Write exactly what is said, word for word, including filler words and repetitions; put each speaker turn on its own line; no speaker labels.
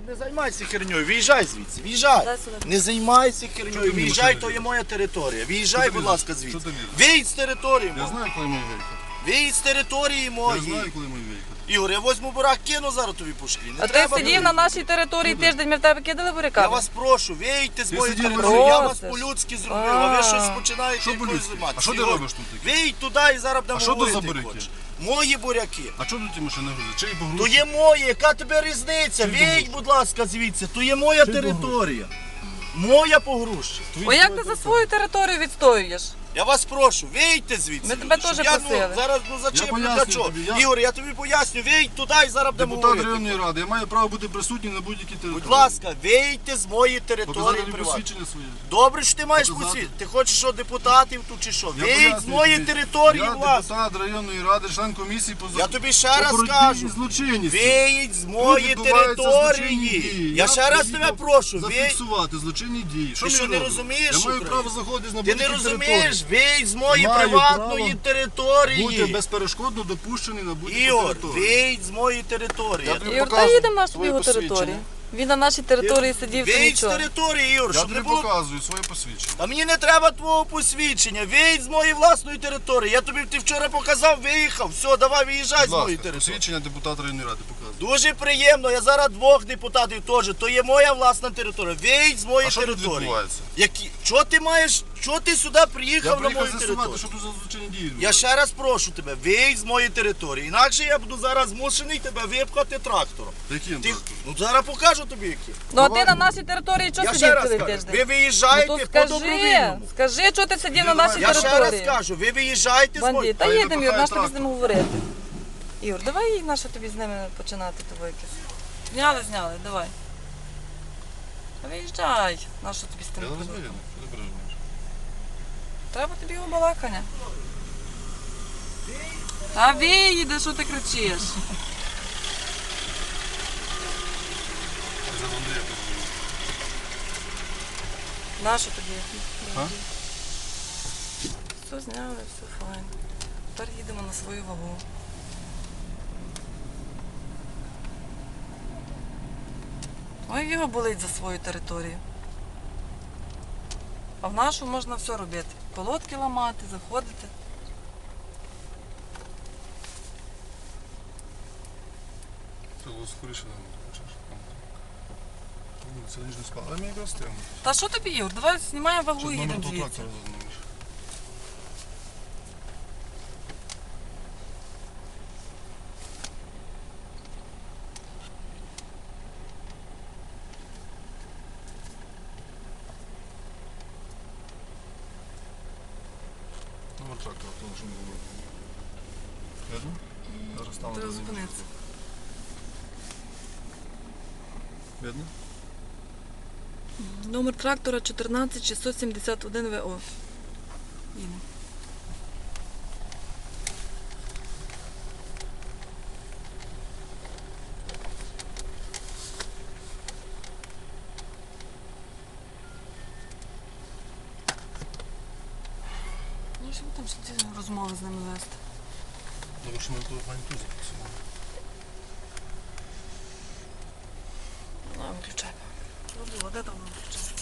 Не займайся херньою, виїжджай звідси, виїжджай. Не займайся херньою, виїжджай, то є моя територія. Виїжджай, будь ласка, звідси. Виїдь з території
Я
моєї.
знаю, коли ми виїхати.
Виїдь з території
Я
моєї.
знаю, коли ми виїхати.
Ігор, я возьму бурак, кину зараз тобі по шклі. Не
А ти
треба
сидів
мені.
на нашій території тиждень, ми в тебе кидали
Я
буряка?
вас прошу, вийдьте з
Ти
моєї
сидів на
території, я вас
Просиш.
по-людськи зробив, а ви щось починаєте
Що
якось
по-людськи?
займатися.
А що ти
Ігор,
робиш тут таке?
Виїдь туди і зараз будемо
А що то
говорити.
за буряки?
хочеш. Мої буряки.
А чого тут ті машини грузять? Чиї
То
погрузки?
є моє, яка тебе різниця? Виїдь, будь ласка, звідси, то є моя територія. Моя погрузча.
О, як ти за свою територію відстоюєш?
Я вас прошу, вийдьте звідси.
Ми тебе
люди, щоб
теж
я,
просили.
Ну, зараз ну зачем, ну, для
пояснюю
чого?
тобі, я-
Ігор, я тобі поясню, вийдь туди і зараз будемо
Депутат
говорити.
районної ради, я маю право бути присутній на будь-якій території.
Будь ласка, вийдьте з моєї
Показати
території
тобі
приватної.
посвідчення своє.
Добре, що ти маєш
Показати.
посвідчення. Ти хочеш що, депутатів тут чи що?
Я
Вийдь з
пояснюю
моєї
тобі.
території,
Я
будь ласка.
депутат районної ради, член комісії по
Я тобі ще
по
раз
боротьбі
кажу.
із злочинністю.
Виїдь з моєї
відбуваються злочинні
території.
дії.
Я ще раз тебе
приїхав
прошу, виїдь.
зафіксувати злочинні дії. Що
Ти
ми
що, не
робимо?
розумієш,
Я маю
Україна?
право заходити на
Ти
будь-які
не
території.
розумієш, виїдь з моєї
Маю
приватної
право
території.
Бути безперешкодно допущений на будь-яку
Ігор,
територію.
виїдь з моєї території.
Я тобі
Ігор, та
покажу
їдемо на
своє
його
посвідчення.
територію. Він на нашій території сидів, то
Виїдь з
нічого.
території, Ігор,
Я
щоб не
тобі
було.
показую своє посвідчення.
А мені не треба твого посвідчення. Виїдь з моєї власної території. Я тобі ти вчора показав, виїхав. Все, давай виїжджай
Будь
з моєї
ласка,
території.
посвідчення депутата районної ради показую.
Дуже приємно. Я зараз двох депутатів теж. То є моя власна територія. Виїдь з моєї
А що тут
території.
відбувається?
Які? Чого ти маєш? Чого ти сюди
Я
приїхав на
приїхав
мою
з'ясувати,
територію?
що тут за злочинні дії
Я
відбуваються.
ще раз прошу тебе, виїдь з моєї території. Інакше я буду зараз змушений тебе випхати трактором.
Яким
Ти...
трактором?
Ну зараз покажу тобі які.
Ну а ти на нашій території чого
Я ще
сидів
раз
цілий
кажу,
тиждень?
ви виїжджаєте
Ну то
по
скажи,
добровільному.
скажи, чого ти сидів
Ні,
на
давай,
нашій
Я ще раз
території.
кажу, ви виїжджаєте з моєї
Бандит, та
Хай
їдемо, Юр,
випихає
наш тобі з
трактор.
ним говорити. Ігор, давай наше тобі з ними починати того якесь. Зняли, зняли, давай. Та виїжджай, нащо тобі з
Я
тим
зараз
ходити?
виїду. Що ти переживаєш?
Треба тобі його балакання. Та виїде, що ти кричиш?
За Андрія позвоню.
Нащо тобі?
А?
Все зняли, все файно. Тепер їдемо на свою вагу. Ой, його болить за свою територію. А в нашу можна все робити. Колодки ламати, заходити.
Це було скоріше нам. Бачиш? Ні, це ніж не спало. Але ми якраз стигнемо.
Та що тобі, Ігор? Давай знімаємо вагу
Щоб
і
номер
їдемо
того
звідси.
трактора зазнімеш. Номер трактора, того, що ми говорили. Видно? Зараз там
Треба
один.
зупинитися.
Видно?
Номер трактора чотирнадцять шістсот сімдесят один В О. Їдемо. Ну, що ми там ще ці розмови з ними вести?
Тому що ми того пані тут записували.
А, виключай. Забула, де там виключай?